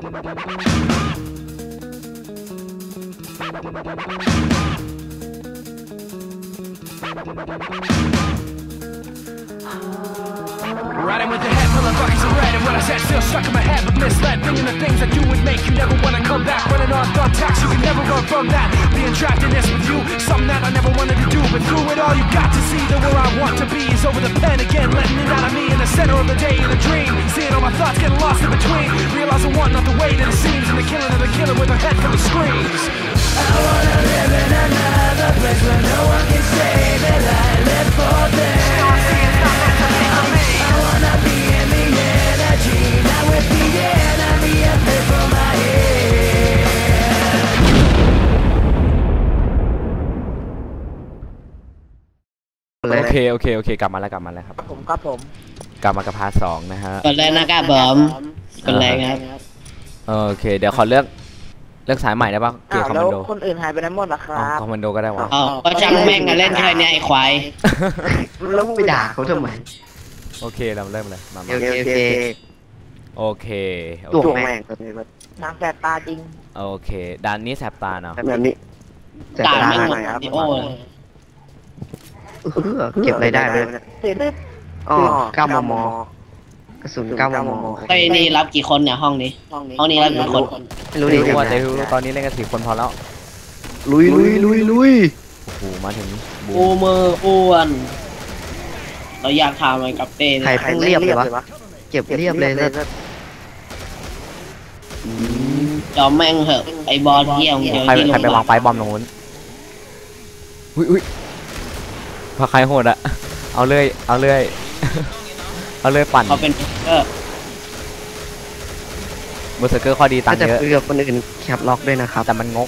Riding with the head full of buckets of red, and what I said still stuck in my head, but misled. Thinking the things that you would make you never wanna come back. Running on thumbtacks, you can never run from that. Being trapped in this with you, something that I never wanted to do, but through it all, you got to see that where I want to be is over the pen again, letting it out of me in the center of the day in a dream. Seeing all my thoughts getting lost in between, realizing one not the way that it seems, and the killing of the killer with a head full of screams. I wanna live in another place where no one can say that I live for them. I wanna be in the energy, not with the enemy up there from my head. โอเคกลับมาแล้วครับผมกลับมากับพาร์ท 2นะฮะกดเลยนะครับผมกดเลยครับโอเคเดี๋ยวขอเลือกสายใหม่ได้ป่ะเกี่ยวกับคอมมานโดคนอื่นหายไปไหนหมดล่ะครับคอมมานโดก็ได้วะก็ช่างแม่งกันเล่นแค่นี้ไอ้ควายแล้วไปด่าเขาทำไมโอเคเราเริ่มเลยมาโอเคตัวแม่งน้ำแสบตาจริงโอเคด้านนี้แสบตาเนาะแบบนี้ตาไม่หมดโอ้เก็บอะไรได้เลยอ๋อ9 มมกระสุน9 มมไอ้นี่รับกี่คนเนี่ยห้องนี้รับกี่คนไม่รู้ดิว่าแต่ตอนนี้เล่นกัน4 คนพอแล้วลุยโอ้โหมาถึงกูมืออ้วนเราอยากทำอะไรกับเต้ใครเรียบเลยวะเก็บเรียบเลยนะจอมแม่งเหอะไอบอลเที่ยวเดียวที่ลงใครไปวางไฟบอมตรงนู้นอุ้ยพาใครโหดอะเอาเลยปั่นเขาเป็นเบอร์เซอร์เกอร์ข้อดีตังค์เยอะกับคนอื่นแคปล็อกด้วยนะครับแต่มันงก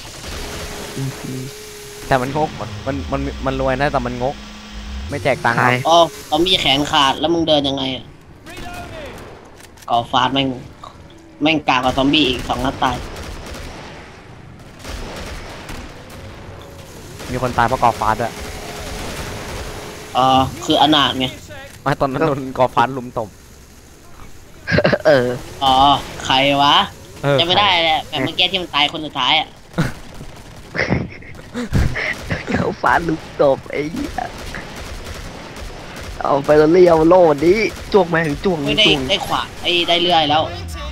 มันรวยนะแต่มันงกไม่แจกตังค์อ๋อเขามีแขนขาดแล้วมึงเดินยังไงก่อฟาดแม่งกากกับซอมบี้อีก2 นัดตายมีคนตายเพราะก่อฟาดด้วยคืออนาถไงตอนนั้นโดนก่อฟาดลุมตบใครวะจะไม่ได้แหละแบบเมื่อกี้ที่มันตายคนสุดท้ายเขาฟาดลุมตบไอ้เอาไปแล้วเลี้ยวโล่นี้จ้วงมาถึงจ้วงไม่ได้ขวาได้เรื่อยแล้ว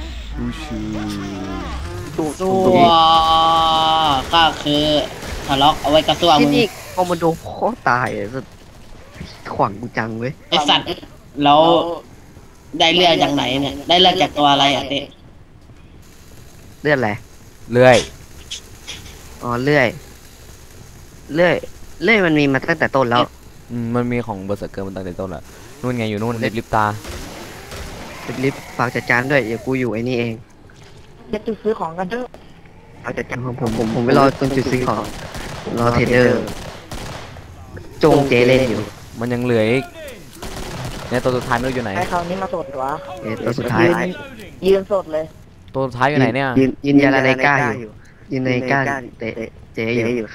ตัวก็คือทะเลาะเอาไว้กระซวงที่นี่คอมมานโดโคตรตายสุดขวางกูจังเว้ยไอสัตว์แล้วได้เลือดจากไหนเนี่ยได้เลือดจากตัวอะไรอ่ะเต้เลือดอะไรเลื่อยเลื่อยมันมีมาตั้งแต่ต้นแล้วมันมีของเบอร์เซอร์เกอร์มันตั้งแต่ต้นแล้วนู่นไงอยู่นู่นลิฟตาลิฟฝากจัดการด้วยเดี๋ยวกูอยู่ไอ้นี่เองจะจุดซื้อของกันเถอะเอาจัดการผมไปรอตรงจุดซื้อของรอเทรดเดอร์จงเจเล่นอยู่มันยังเหลืออีกเนี่ยตัวสุดท้ายไม่รู้อยู่ไหนให้เขานี่มาสดวะตัวสุดท้ายยืนสดเลยตัวสุดท้ายอยู่ไหนเนี่ยยืนยาลาไนก้าอยู่ยืนในก้าเจอยู่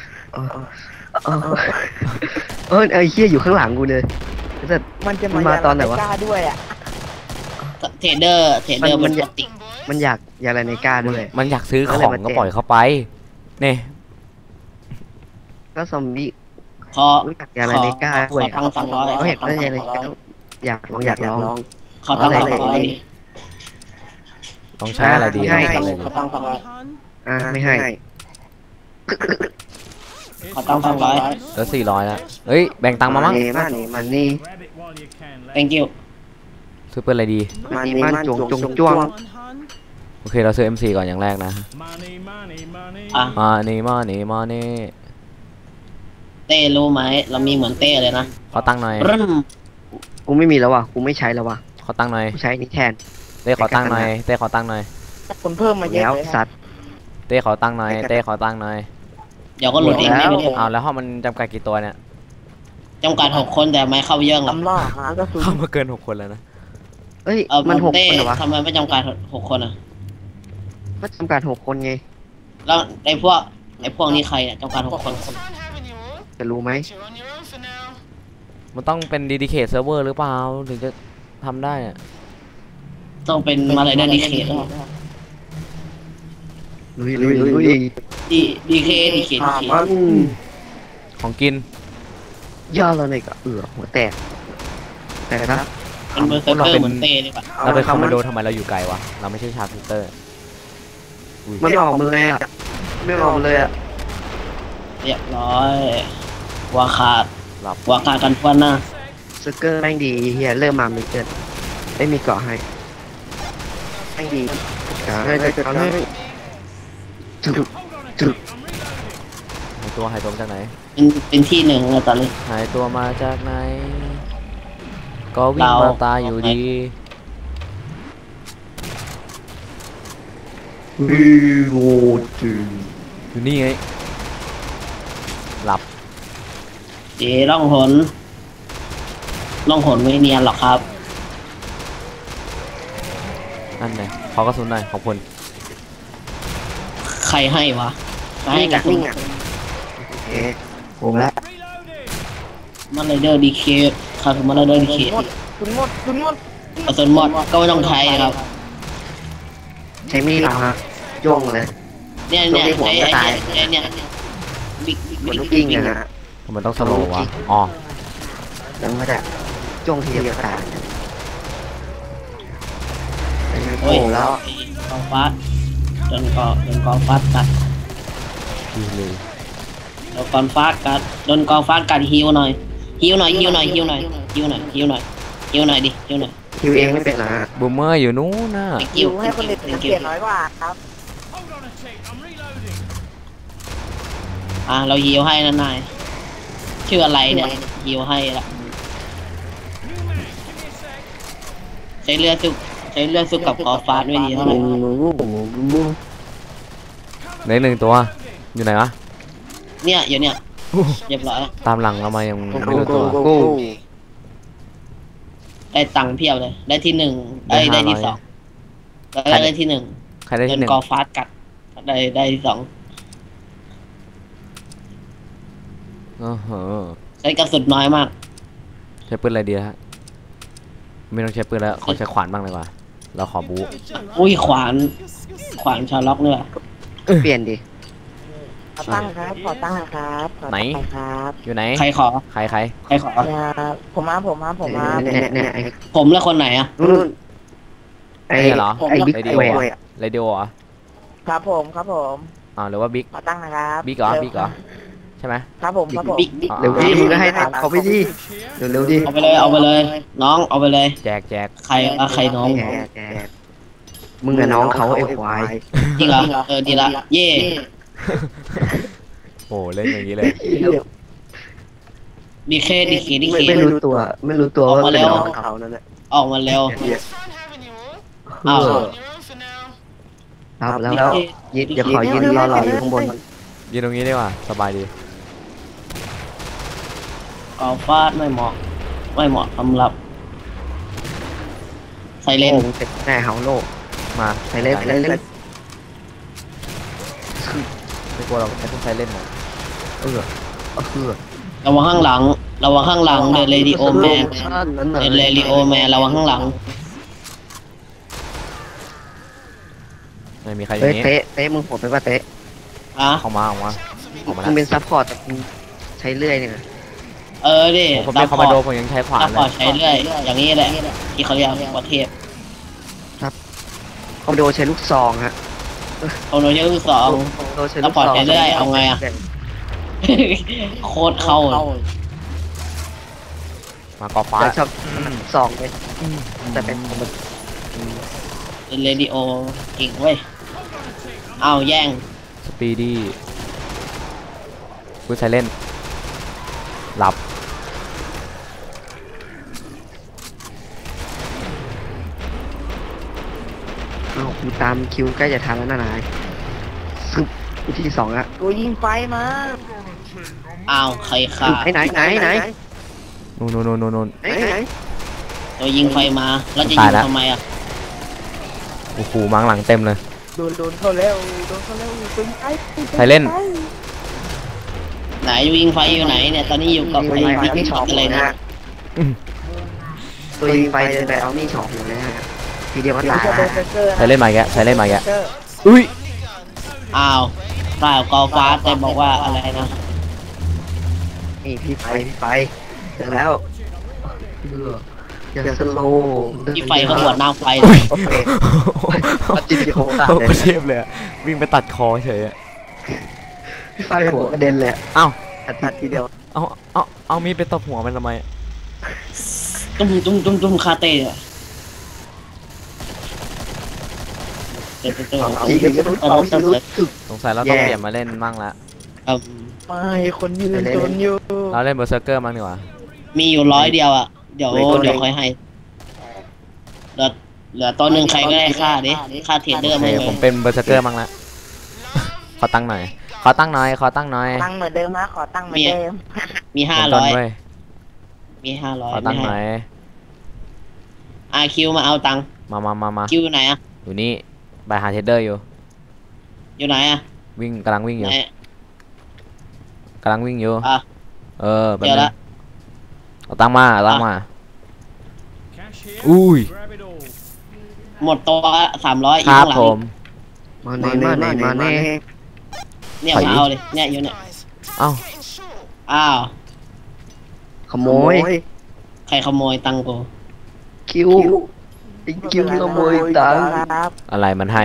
ไอ้เหี้ยอยู่ข้างหลังกูเลยมันจะมาตอนไหนวะด้วยอ่ะเทรดเดอร์มันอยากยาลาไนก้าด้วยมันอยากซื้อของก็ปล่อยเข้าไปเนี่ยก็ซอมบี้ขออยากอะไรในกล้าด้วยเขาตั้ง200 เขาเห็นว่าอะไรอยากลองเขาตั้ง200 ต้องใช้อะไรดีเขาตั้ง200 ไม่ให้เขาตั้ง200 แล้ว400แล้วเฮ้ยแบ่งตังค์มามั้งมันนี่ thank you ซื้อเป็นอะไรดีมันจ้วงโอเคเราซื้อ MC ก่อนอย่างแรกนะมานี่เต้รู้ไหมเรามีเหมือนเต้เลยนะขอตั้งหน่อยกูไม่มีแล้วว่ะกูไม่ใช้แล้วว่ะขอตั้งหน่อยใช้นี่แทนเต้ขอตั้งหน่อยคนเพิ่มมาเยอะเลยสัตว์เต้ขอตั้งหน่อยเดี๋ยวก็หลุดเองเอาแล้วห้องมันจำกัดกี่ตัวเนี่ยจำกัด6 คนแต่ไม่เข้าเยอะหรอกเข้ามาเกิน6 คนแล้วนะมัน6 คนเหรอวะทำไมไม่จำกัด6 คนอ่ะก็จำกัด6 คนไงแล้วไอ้พวกนี้ใครเนี่ยจำกัด6 คนจะรู้ไหมมันต้องเป็น dedicate server หรือเปล่าถึงจะทำได้อะต้องเป็นมาเลยdedicated ลุยลุยลุยดีเคมันของกินย่อเราหน่อยก็หัวแตกแต่นะเป็นเบอร์เซอร์เกอร์เหมือนเต้เลยป่ะเราเป็นคอมมานโดทำไมเราอยู่ไกลวะเราไม่ใช่ชาร์ปเตอร์มันออกมือเลยอ่ะไม่ออกเลยอ่ะเรียบร้อยวาขาดหลับวาขาดกันทวนหน้าสเกอร์แม่งดีเฮียเริ่มมาไม่เกินไม่มีเกาะให้แม่งดีให้จุดหายตัวมาจากไหนเป็นที่หนึ่งเลยตอนนี้หายตัวมาจากไหน ก็วิ่งเรามาตายอยู่ดีวิโวจูอยู่นี่ไง หลับเอ๋ล่องหนไม่เนียนหรอกครับนั่นไงขอกระสุนหน่อยของคุณใครให้วะใครให้กับนิ่งอ่ะโอเคผมแล้วมันไรเดอร์ดีเคครับมันไรเดอร์ดีเคคุณหมดกระสุนหมดก็ไม่ต้องใช้ครับใช้มีดเหรอฮะย่องเลยเนี่ยบิ๊กเหมือนลูกกิ้งนะฮะทำไมต้องสโลว์วะ อ๋อแล้วก็จะจ้องทีเดียวตายโอ้ยแล้วกองฟาดจนกองฟาดกัดดีเลยโดนกองฟาดกัดโดนกองฟาดกัดฮิวหน่อยดิฮิวหน่อยคิวเองไม่เป็นนะฮะบูมเมอร์อยู่นู้นน่ะฮิวให้คนเด็กเกียรน้อยกว่าครับเราฮิวให้นะนายชื่ออะไรเนี่ยฮิวให้ละใช้เลือดสุกกับกองฟาดไม่ดีเท่าไหร่เหลือหนึ่งตัว อยู่ไหนวะเนี่ยอยู่เนี่ยเรียบร้อยตามหลังเรามายังไม่รู้ตัวได้ตังค์เพียบเลย ได้ที่หนึ่งได้ที่สองได้ที่หนึ่งใครได้โดที่นหนึ่งกอฟาดกัดได้ที่สอง ใช้กระสุนน้อยมากใช้ปืนอะไรดีฮะ ไม่ต้องใช้ปืนแล้ว ขอใช้ขวานบ้างเลยว่ะ เราขอบู๊อุ้ยขวานชาล็อกเนี่ยเปลี่ยนดิขอตั้งครับ ขอตั้งครับขอไหนตั้งครับอยู่ไหนใครขอใครใครขอผมมาเนี่ยผมและคนไหนอ่ะนู่นไอ้นี่เหรอไอ้บิ๊กเรดิเวโอย์อะเรดิโอเหรอครับผม ครับผมหรือว่าบิ๊กขอตั้งนะครับบิ๊กเหรอ บิ๊กเหรอ ใช่ไหมครับผมครับผมบิ๊กเร็วดิมึงก็ให้เขาไปดิเร็วดิเอาไปเลย น้องเอาไปเลยแจกใครน้องแกมึงกับน้องเขาไอ้ควายจริงเหรอดีละเย่โอ้เล่นอย่างนี้เลยดีเคไม่รู้ตัวว่าเป็นน้องเขานั่นแหละออกมาเร็วอ้าวครับแล้วยิดอย่าขอยินรออยู่ข้างบนยืนตรงนี้ดีกว่า สบายดีกอฟาดไม่เหมาะสำหรับไซเลนโอ้เป็นแน่เฮาโลมาไปเล่นไม่กลัวเราไม่ต้องใช้เล่นหรอกระวังข้างหลังเดินเรดิโอแมนระวังข้างหลังไม่มีใครอย่างนี้เตะมึงโหดไปป่ะเตะอ่ะออกมามึงแล้วเป็นซัพพอร์ตแต่ใช้เลื่อยเนี่ยดิผมเป็นคอมมานโดผมยังใช้ขวานซัพเลพอร์ตยใช้เรื่อยอย่างนี้แหละที่เขาเรียกว่าเทพคอมโดใช้ลูกซองฮะโอโนเยอร์สองโดใช้ลูกซองซัพพอร์ตใช้เลื่อยเอาไงอะ โคตรเข้ามากอฟ้าแต่ชอบซองเลยแต่เป็นคอมโดเป็นเรดิโอเก่งเว้ยเอาแย่งสปีดี้พูดใช้เล่น หลับอ้าวกูตามคิวใกล้จะทันแล้วนะนายซึบที่สองอะตัวยิงไฟมาอ้าวใครฆ่าไหนนู่นตัวยิงไฟมาแล้วจะตายิยงแล้วทำไมอ่ะโอ้โหมังหลังเต็มเลยโดนเข้าแล้วตึงไฟใครเล่นไหนยิงไฟอยู่ไหนเนี่ยตอนนี้อยู่กับตัวไอ้ยิงไฟบิ๊กนี่ช็ช็ออตปอะไรเลยนะนะตัวยิงไฟเดินไปเอานี่ช็อปอยู่นะฮะทีเดียวก็ตายจะโดนเซอร์ใช้เล่นมาแกใช้เล่นมาแกอุ้ยอ้าวเปล่ากอฟ้าแต่บอกว่าอะไรนะนี่พี่ไปเจอแล้วอย่าสโลว์ที่ไฟก็บวดน้ำไฟโอเคปัดจิตโคตรโอ้เลยก็เทียบเลยอะวิ่งไปตัดคอเฉยอะพี่ไฟหัวกระเด็นเลยเอ้าตัดทีเดียวเอามีดไปตบหัวมันทำไมตุ้มคาเต้อะเดี๋ยวเอาอีกแล้วเอาอีกแล้วสงสัยเราต้องเปลี่ยนมาเล่นมั่งละไม่คนยืนจนอยู่เราเล่นเบอร์เซอร์เกอร์มั่งดีกว่ามีอยู่100 เดียวอ่ะเดี๋ยวค่อยให้เหลือตัวหนึ่งใครก็ได้ค่าดิค่าเทรดเดอโอร์เคมั้งผมเป็นเบอร์เซอร์เกอร์มั่งละ ขอตั้งหน่อย ขอตั้งหน่อยตั้งเหมือนเดิมนะขอตั้งเหมือนเดิมมีผมต้นเว้ย 500 มี 500 ขอตั้งหน่อยคิวมาเอาตังค์มาคิวอยู่ไหนอ่ะอยู่นี่ไปหาเทรดเดอร์อยู่อยู่ไหนอ่ะกำลังวิ่งอยู่ไหนกำลังวิ่งอยู่อ่ะแบบเจอนี้ละเอาตั้งมาอุ้ยหมดตัว300อีคกรับข้างหลังผมมาแน่เนี่ยมาเอาเลยเนี่ยอยู่เนี่ยเอ้าอ้าวขโมยใครขโมยตังค์กูคิวขโมยตังค์ครับอะไรมันให้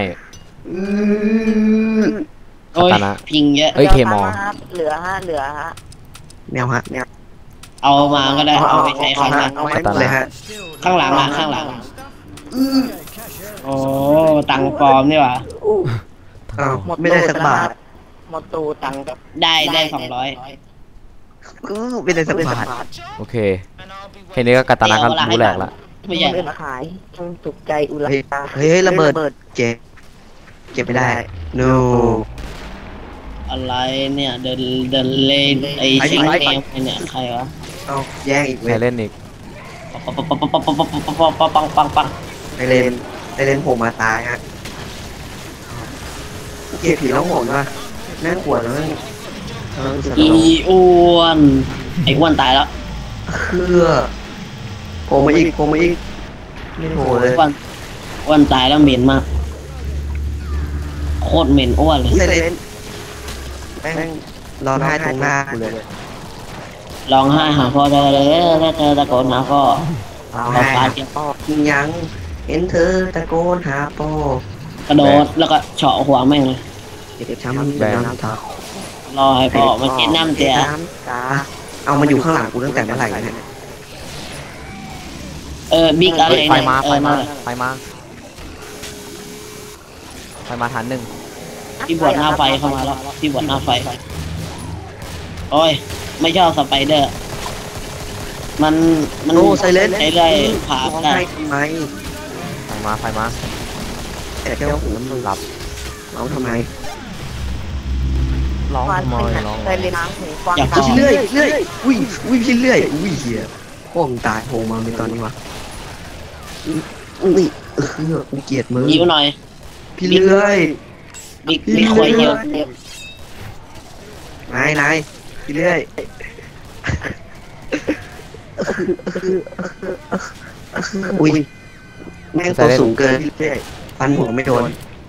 โอ้ยคาตานะพิงเยอะเอ้ยเคมอเหลือฮะแนวฮะเอามาก็ได้เอาไปใช้ครั้งหลังเอาไว้เลยฮะข้างหลังอ่ะข้างหลังโอ้ตังค์ปลอมนี่หว่าไม่ได้สักบาทหมดตูตังค์ก็ได้200 ไม่ได้สักบาทโอเคแค่นี้ก็กาตานะก็รู้แหลกละไม่ใช่เดินขายจงถูกใจอุลาเฮ้ยระเบิดเก็บไม่ได้ no อะไรเนี่ยเดินเล่นไอ้ชิงเกมเนี่ยใครวะเอาแย่งอีกใครเล่นอีกปังไปเล่นผมมาตายฮะเกียร์ผีแล้วโหดว่ะน่ากลัวนะอีอ้วนไอ้อ้วนตายแล้วคือโผล่มาอีกไม่โผล่เลยอ้วนตายแล้วเหม็นมากโคตรเหม็นอ้วนเลยเล่นแม่งร้องไห้ตรงหน้ากูเลยร้องไห้หาพ่อได้เลยถ้าเจอตะโกนหาพ่อร้องไห้หาพ่อยังเห็นเธอตะโกนหาพ่อกระโดดแล้วก็เฉาะหัวแม่งเลยเจ็บช้ำน้ำตารอให้พ่อมาเช็ดน้ำเสียน้ำตาเอามาอยู่ข้างหลังกูตั้งแต่เมื่อไหร่เนี่ยบิ๊กอะไรไฟเนี่ยมาฐานหนึ่งที่บวชหน้าไฟเข้ามาแล้วที่บวชหน้าไฟโอ้ยไม่ชอบสไปเดอร์มันโอ้ไซเลนใช้เลยผ่าร้องได้ไห้ทำไมไฟมาแต่แก้วหูมันหลับเอาทำไมร้องฟันทำไมเป็นร้องเคยเรียนน้ำหูฟังพี่เลื่อยพี่เลื่อยเหี้ยพ่อมึงตายโผล่มาในตอนนี้วะกูเกลียดมึงยิ้วหน่อยพี่เลื่อยบิ๊กควยเยอะนายพี่เลื่อยอุ้ยแม่งตัวสูงเกินพี่เลื่อยฟันหัวไม่โดน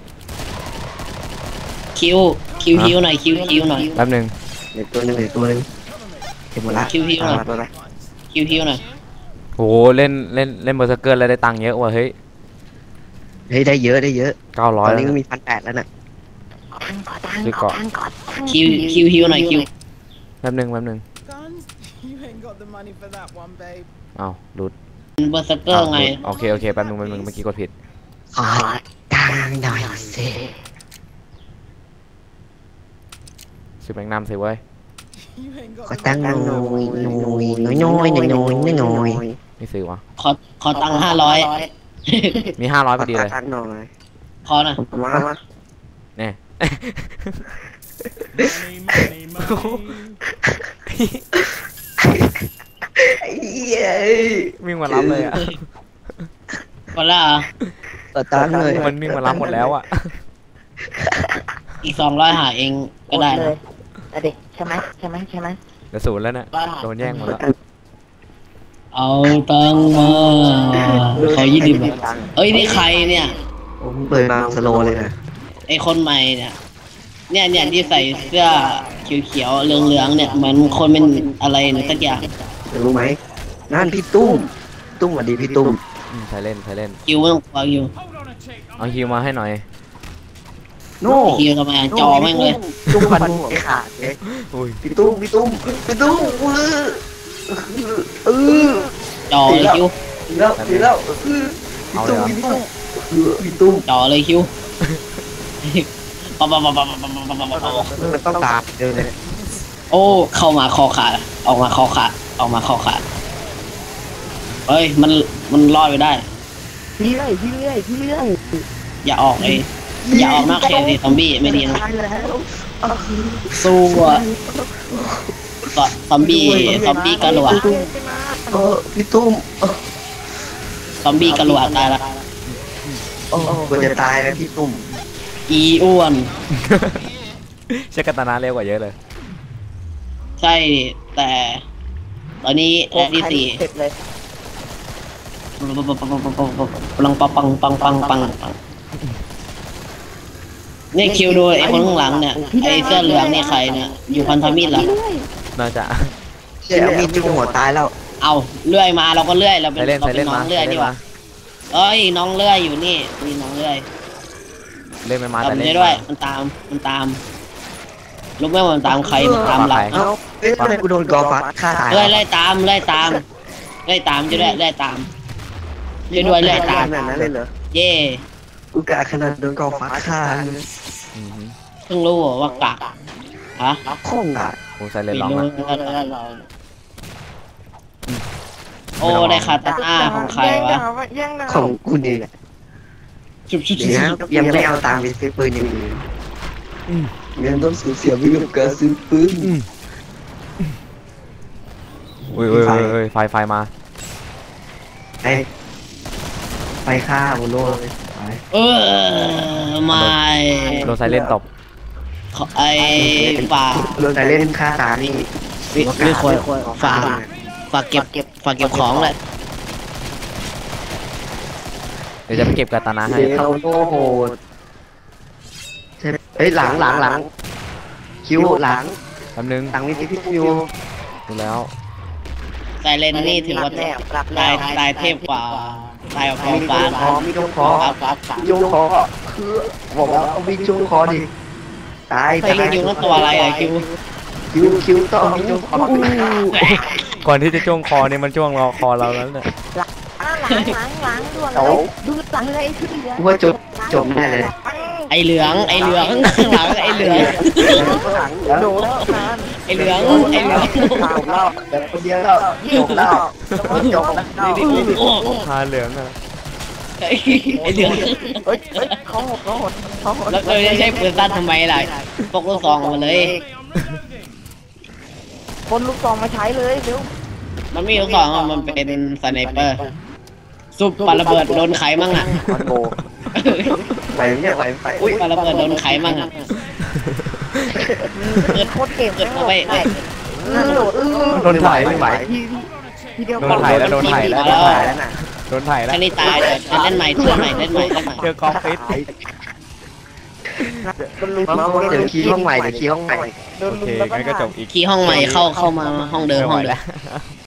คิวหน่อยคิวหน่อยแป๊บหนึงเหลือตัวหนึงเก็บหมดละคิวหน่อยโหเล่นเบอร์เซอร์เกอร์แล้วได้ตังค์เยอะว่ะเฮ้ยเฮ้ยได้เยอะตอน 900 นี้แล้วก็นะมี1,800แล้วน่ะคิวหน่อยคิวแป๊บหนึง Guns? You ain't got the money for that one, babe. อ้าวหลุดเบอร์สเกอร์ไงโอเคแป๊บหนึงเมื่อกี้กดผิดขอตังค์หน่อยสิซื้อแมงนัมสิเว้ย You ain't got ขอ the ตังค์ money. น้อยไม่ซื้อวะขอตังค์500 มี500พอดีเลยตังค์หน่อยขอนะมาเนี่ย Money, money, money. เย้วิ่งมารับเลยอ่ะก่อนละขอตังค์หน่อยมันวิ่งมารับหมดแล้วอ่ะอีก200หาเองก็ได้เลนะยแต่เด็กใช่ไหมเดี๋ยว0แล้วเนี่ยโดนแย่งหมดแล้วเอาตังค์มาขอ20บาทเอ้ยนี่ใครเนี่ยผมเปิดมาสโลเลยนะไอคนใหม่เนี่ยเนี่ยที่ใส่เสื้อเขียวๆเหลืองๆเนี่ยเหมือนคนเป็นอะไรเนี่ยสักอย่างรู้ไหมนั่นพี่ตุ้มสวัสดีพี่ตุ้มใช้เล่นใช้เล่นคิวไม่ต้องกลัวคิวเอาฮิวมาให้หน่อยโน่คิวทำไมจอแม่งเลยตุ้มพันไอ้ขาดเลยอุ้ยพี่ตุ้มเออจอเลยคิวแล้วเอาเลยเหรอพี่ตุ้มจอเลยคิวปั๊บมันต้องตามเดินเลยโอ้เข้ามาคอขาดออกมาคอขาดออกมาคอขาดเฮ้ยมันรอดไปได้พี่เรื่อยอย่าออกอย่าออกนอกเขตดิซอมบี้ไม่ดีนะตายแล้วสู้อะซอมบี้กระโหลกพี่ตุ้มซอมบี้กระโหลกตายละโอ้ก็จะตายแล้วพี่ตุ้มอีอ้วนใช้กาตานาเร็วกว่าเยอะเลยใช่แต่ตอนนี้แอดที่สี่เสร็จเลยปังนี่คิวดูไอ้คนข้างหลังเนี่ยไอ้เสื้อเหลืองนี่ใครเนี่ยอยู่พันธมิตรเหรอน่าจะเชี่ยมีจุ่มหัวตายแล้วเอาเลื่อยมาเราก็เลื่อยเราเป็นใช้เล่นเราใช้เป็เล่นนน้อมางเลื่อยใช้ดีเล่นกว่ามาเอ้ยน้องเลื่อยอยู่นี่มีน้องเลื่อยเล่นไม่มาแต่แต่ไม่เล่นได้ด้วยมันตามรู้ไหมว่ามันตามใครมันตามเราเอ้าเอ๊ะทำไมกูโดนกอฟัดฆ่าตายไล่ตามจะด้วยไล่ตามจะด้วยไล่ตามขนาดนั้นเลยเหรอเย่กูกะขนาดโดนกอฟัดฆ่าอือหือเพิ่งรู้ว่ากะฮะข้องอ่ะกูใช้เล่นไม่ร้องรู้ละโอ้ได้คาตาน่าของใครวะของกูนี่แหละชุบเดี๋ยวยังไม่เอาตังค์ไปซื้อปืนอย่างอื่นยังต้องสูญเสียไปกับการซื้อปืนอุ้ยไฟมาไปฆ่าโมโน่เลยไม่โดนไซเล่นตบไอ้ฝากโดนแต่เล่นฆ่าตานี่ไม่ควรฝากเก็บของแหละเดี๋ยวจะไปเก็บกาตานาให้เดี๋ยวเขาโง่โหดใช่เอ้ยหลังคิวหลังแป๊บนึงหลังมีพี่คิวดูแล้วไซเลนนี่ถือว่าตายเทพกว่าตายกว่ามีฟ้าจงคอมีจงคอจงคอคือบอกว่าเอามีจงคอดิตายไซเลนยูนั่นตัวอะไรอะคิวต้องมีจงคอก่อนที่จะจ้วงคอเนี่ยมันจ้วงรอคอเราแล้วเนี่ยล้างด่วนเลยดูหลังเลยที่เหลือว่าจบแน่เลยไอเหลืองข้างหลังไอเหลืองโดนนานไอเหลืองข่าวเล่าแต่คนเดียวแล้วจบแล้วจบแล้วพาเหลืองอ่ะไอเหลืองเฮ้ยเขาหดแล้วเราจะใช้ปืนสั้นทำไมล่ะพกลูกซองมาเลยคนลูกซองมาใช้เลยเร็วมันมีลูกซองมันเป็นสไนเปอร์ซุปปาระเบิดโดนไขมั่งอ่ะมันโบไปเนี่ยไปอุ้ยปาระเบิดโดนไขมั่งอ่ะโคตรเก่งเกิดเข้าไปโดดโดนถ่ายไม่ไหวทีเดียวโดนถ่ายแล้วโดนถ่ายแล้วแล้วน่ะโดนถ่ายแล้วแค่นี้ตายเล่นใหม่เล่นใหม่เจอกองฟิตเดี๋ยวคีย์ห้องใหม่โอเคงั้นก็จบอีกคีย์ห้องใหม่เข้ามาห้องเดิมไม่ไหวห้องเดิแล้มว